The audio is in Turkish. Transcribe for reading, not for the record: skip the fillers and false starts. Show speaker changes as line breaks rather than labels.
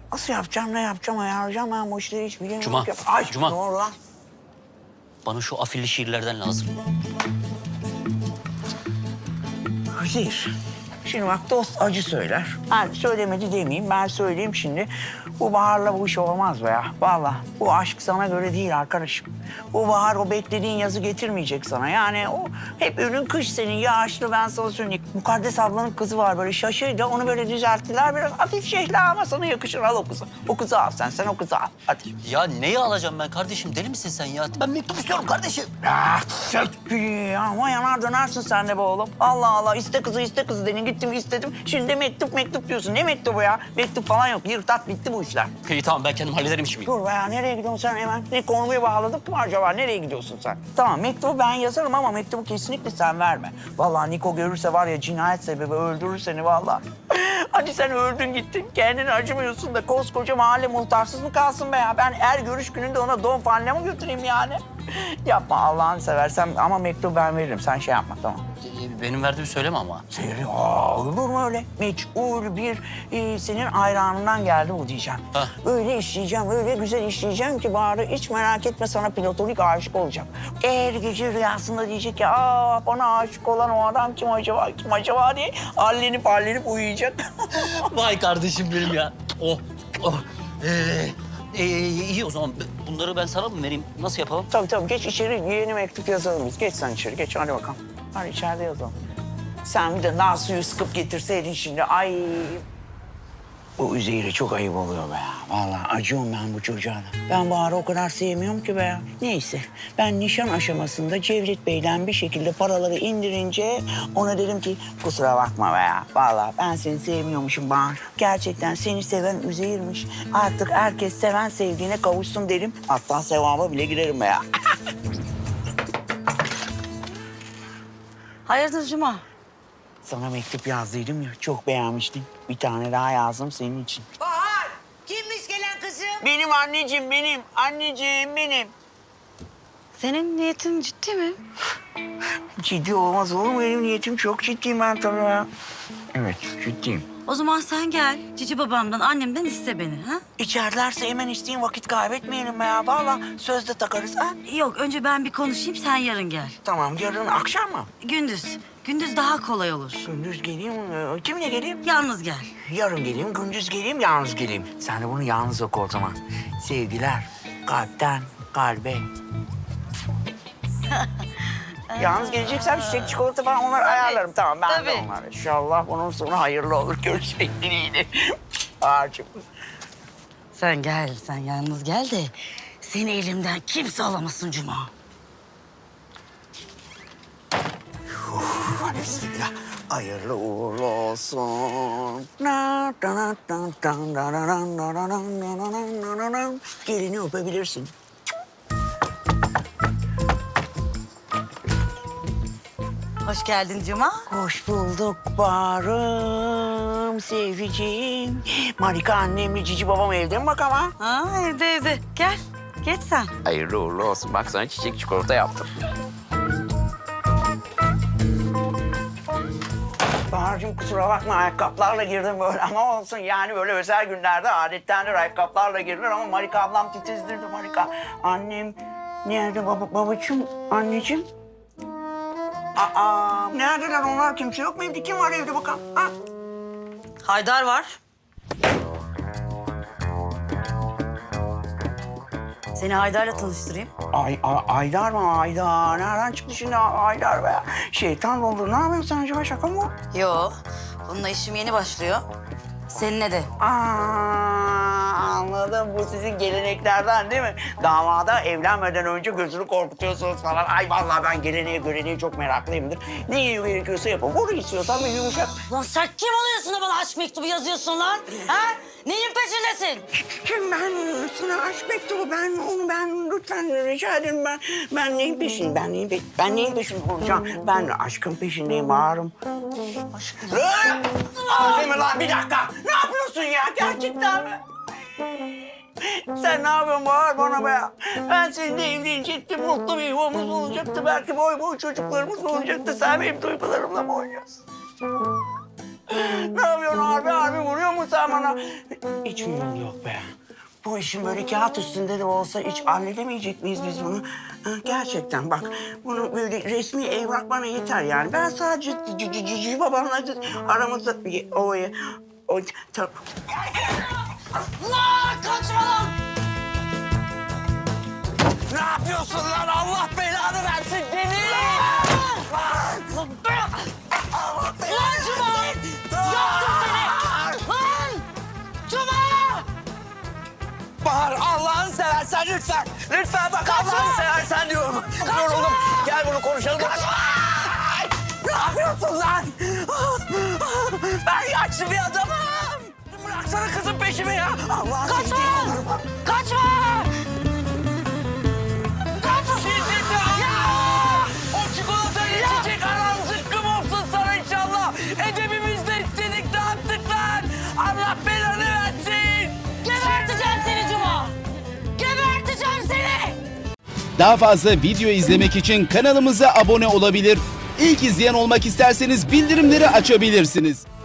Nasıl yapacağım, ne yapacağım, ayarlayacağım ben bu işleri hiç bilemiyorum.
Cuma,
Ay,
Cuma.
Doğru lan.
Bana şu afilli şiirlerden lazım.
Üzeyir. Şimdi bak dost acı söyler. Ben söylemedi demeyeyim, ben söyleyeyim şimdi. Bu Bahar'la bu iş olmaz be ya. Vallahi bu aşk sana göre değil arkadaşım. Bu Bahar o beklediğin yazı getirmeyecek sana. Yani o hep ürün kış senin yağışlı ben sana söyleyeyim. Mukaddes ablanın kızı var böyle şaşırdı. Onu böyle düzelttiler. Biraz hafif şehla ama sana yakışır. Al o kızı. O kızı al sen o kızı al. Hadi.
Ya neyi alacağım ben kardeşim? Deli misin sen ya? Ben mektup istiyorum kardeşim.
Ah, ama yanar dönersin sen de be oğlum. Allah Allah iste kızı dedin. Gittim istedim. Şimdi de mektup diyorsun. Ne mektubu ya? Mektup falan yok. Yırtat bitti bu işler.
İyi tamam ben kendim hallederim işimi.
Dur be ya nereye gidiyorsun sen hemen? Ne konuyu bağladık mı acaba? Nereye gidiyorsun sen? Tamam mektubu ben yazarım ama mektubu kesinlikle sen verme. Vallahi Niko görürse var ya cinayet sebebi öldürür seni vallahi. Hadi sen öldün gittin. Kendini acımıyorsun da koskoca mahalle muhtarsız mı kalsın be ya? Ben her görüş gününde ona don faline mi götüreyim yani? Yapma Allah'ını seversen ama mektubu ben veririm. Sen şey yapma tamam.
Benim verdiğimi söyleme ama.
Olur mu öyle? Meçhul bir senin hayranından geldi bu diyeceğim.
Ha.
Öyle işleyeceğim, öyle güzel işleyeceğim ki Bahar'ı hiç merak etme sana platonik aşık olacak. Eğer gece rüyasında diyecek ya bana aşık olan o adam kim acaba diye hallenip uyuyacak.
Vay kardeşim benim ya. Oh. İyi o zaman bunları ben sana mı vereyim? Nasıl yapalım?
Tabii geç içeri yeni mektup yazalım biz. Geç sen içeri geç hadi bakalım. Hadi içeride yazalım. Sen bir de nar suyu sıkıp getirseydin şimdi ay. Bu Üzeyir'e çok ayıp oluyor be ya. Vallahi acıyorum ben bu çocuğa da. Ben Bahar'ı o kadar sevmiyorum ki be ya. Neyse ben nişan aşamasında Cevdet Bey'den bir şekilde paraları indirince ona dedim ki kusura bakma be ya. Vallahi ben seni sevmiyormuşum Bahar. Gerçekten seni seven Üzeyir'miş. Artık herkes seven sevdiğine kavuşsun derim. Hatta sevaba bile girerim be ya.
Hayırdır Cuma?
Sana mektup yazdıydım ya çok beğenmiştin. Bir tane daha yazdım senin için.
Bahar, kimmiş gelen kızım?
Benim anneciğim benim. Anneciğim benim.
Senin niyetin ciddi mi?
Ciddi olmaz olur mu? Benim niyetim çok ciddiyim ben tabii ya. Evet, ciddiyim.
O zaman sen gel. Cici babamdan, annemden iste beni. Ha?
İçerlerse hemen isteyin, vakit kaybetmeyelim be ya. Vallahi sözde takarız ha.
Yok, önce ben bir konuşayım, sen yarın gel.
Tamam, yarın akşam mı?
Gündüz. Gündüz daha kolay olur.
Gündüz geleyim, kimle geleyim?
Yalnız gel.
Yarın geleyim, gündüz geleyim, yalnız geleyim. Sen de bunu yalnız oku o zaman. Sevgiler, kalpten kalbe. Yalnız geleceksem çiçek, çikolata falan onları ayarlarım. Tamam, ben de
tabii.
onları. İnşallah bunun sonu hayırlı olur. Görüşmek dileğiyle. Ağacım.
Sen gel, sen yalnız gel de seni elimden kimse alamasın Cuma.
Hadi bismillah. Hayırlı uğurlu olsun. Gelini öpebilirsin.
Hoş geldin Cuma.
Hoş bulduk Bahar'ım, seviciğim. Marika annemle Cici babam evde mi bak ama?
Ha, evde. Gel, geç sen.
Hayırlı uğurlu olsun. Bak sana çiçek çikolata yaptım. Bahar'cığım kusura bakma ayakkabılarla girdim böyle ama olsun yani böyle özel günlerde adettendir ayakkabılarla girilir ama Marika ablam titizdirdi Marika. Annem nerede babacığım, anneciğim? Neredeler onlar kimse yok mu evde? Kim var evde bakalım? Ha?
Haydar var. Seni Haydar'la tanıştırayım.
Aydar mı? Aydar. Nereden çıktı şimdi Aydar be? Şeytan oldu. Ne yapıyorsun sen acaba? Şaka mı?
Yo, bununla işim yeni başlıyor. Seninle de.
Anladım. Bu sizin geleneklerden değil mi? Damada evlenmeden önce gözünü korkutuyorsunuz falan. Ay vallahi ben geleneğe göreneğe çok meraklıyımdır. Ne gerekiyorsa yapın. Vur istiyorsan bir yumuşak.
Lan sen kim oluyorsun da bana aşk mektubu yazıyorsun lan? Ha? Neyin peşindesin?
Kim ben sana aşk mektubu ben lütfen rica ederim ben neyin peşindeyim ben neyin peşinde olacağım ben aşkın peşindeyim Bahar'ım. Aşkım. Değil mi lan bir dakika ne yapıyorsun ya gerçekten mi? Sen ne yapıyorsun Bahar bana be ya? Ben seninle evlenecektim, mutlu bir yuvamız olacaktı. Belki boy boy çocuklarımız olacaktı. Sen benim duygularımla mı oynuyorsun? Ne yapıyorsun abi? Abi vuruyor mu sen bana? Hiç huyum yok be. Bu işin böyle kağıt üstünde de olsa hiç halledemeyecek miyiz biz bunu? Ha, gerçekten bak, bunu böyle resmi evrak bana yeter yani. Ben sadece Cici babamla aramızda o tamam.
Allah kaçma lan!
Ne yapıyorsun lan? Allah belanı versin deli!
Lan Cuma! Yaktım seni! Lan! Cuma!
Bahar, Allah'ını seversen lütfen. Lütfen bak, Allah'ını seversen diyorum. Yoruldum. Gel bunu konuşalım. Kaçma! Ne yapıyorsun lan? Ben yaşlı bir adamım. Bıraksana kızın peşimi ya. Allah'ın
Kaçma! Kaçma!
Şiddeti Allah! O çikolatayı içecek aran zıkkım olsun sana inşallah. Edebimizde istedik ne yaptık lan? Allah belanı versin.
Geberteceğim seni Cuma! Geberteceğim seni!
Daha fazla video izlemek için kanalımıza abone olabilir. İlk izleyen olmak isterseniz bildirimleri açabilirsiniz.